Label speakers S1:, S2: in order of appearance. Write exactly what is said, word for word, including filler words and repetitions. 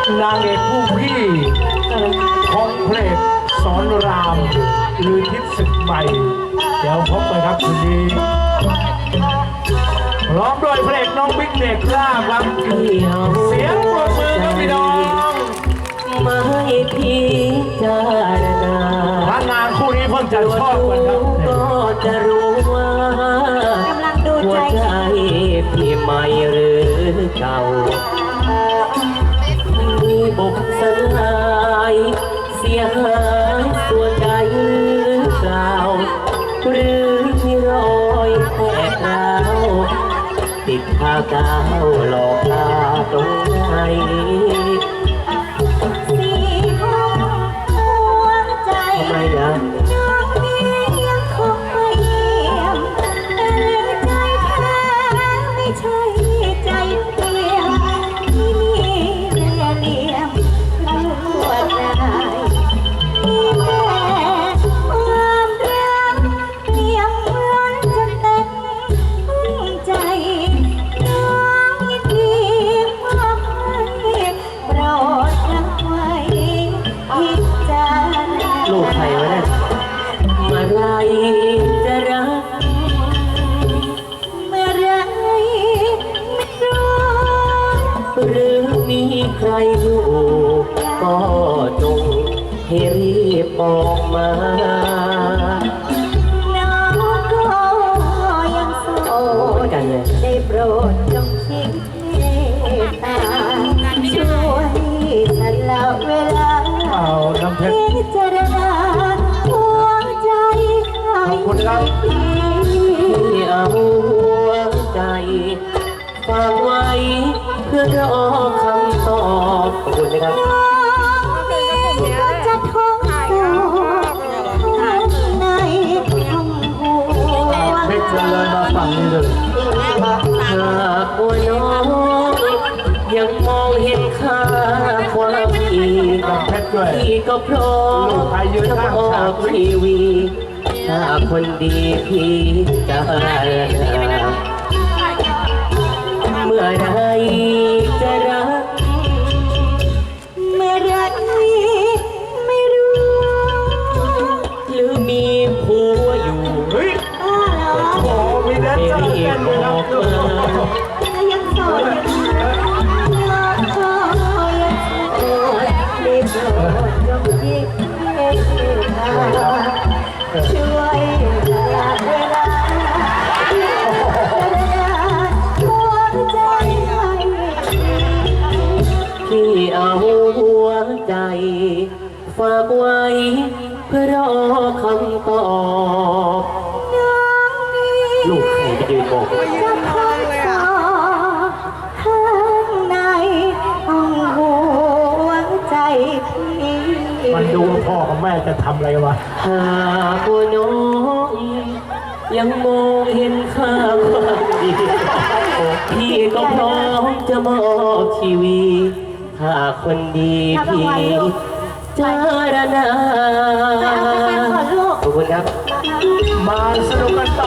S1: นางเอกผู้พี่ของเพลงสอนรามหรือทิศศึกใหม่เดี๋ยวพบกันครับคืนนี้ร้องโดยเพลงน้องบิ๊กเด็กล่าครับเสียงปรบมือครับพี่น้อง
S2: ไม่พิจารณา
S1: พระนางคู่นี้เพิ่งจะชอบกันครับ
S2: ก็จะรู้ว่ากำลังดูใจพี่ใหม่หรือเก่ามีบุกสลายเสียหายส่วนใดหรือเปล่าหรือมีรอยแผลร้าวติดทากาวหลอกตาตรงไหนทำไมนะน้องนี้ยังคงไม่เยี่ยมแต่เลือใจแท้ไม่ใช่ใจเปลี่ยนที่มีเล่ห์เหลี่ยมลวดลายมีแต่ความรักเปี่ยมล้นจนเต็มใจน้องยินดีมอบให้โปรดรับไว้พิจารณาลูกใครวะเนี่ยเมื่อไรจะรักเมื่อไรไม่รู้หรือมีใครอยู่ก็จงให้รีบบอกมาน้องก็ยังโสดได้โปรดจงทิ้งเมตตาช่วยฉันละเวลา
S1: เอาน้ำเพชร
S2: พิจารณาหัวใจใคร
S1: ขอบคุณครับ
S2: ที่เอาหัวใจฝากไว้เพื่อรอคำตอบขอบคุณนะครับจะท้องโสข้างในห้องหัว
S1: เพชรจะเลยมาฝั่งนี้เลย
S2: หากว่าน้องยังมองเห็นค่าความดีที่ก็พร้อมจะออกทีวีถ้าคนดีพี่จะเมื่อไรจะรักเมื่อไรไม่รู้หรือมีผัวอยู่
S1: เฮ้ยโอ้มีแดนเซอร์เต้นด้วยครับ
S2: ยังโสดยังโสดยังโสดได้โปรดยกยิ่งเมตตาช่วยเวลาเวลาที่เอาหัวใจฝากไว้เพื่อรอคำตอบลูกใครจะยืนบอกจะคอยสอข้างในห้องหัวใจพี่
S1: มันดูพ่อกับแม่จะทำอะไรวะ
S2: หากว่าน้องยังมองเห็นค่าความดีพี่ก็พร้อมจะมอบชีวิตถ้าคนดีพี่จารณาขอบคุณครับ
S1: มาสนุกกันต่อ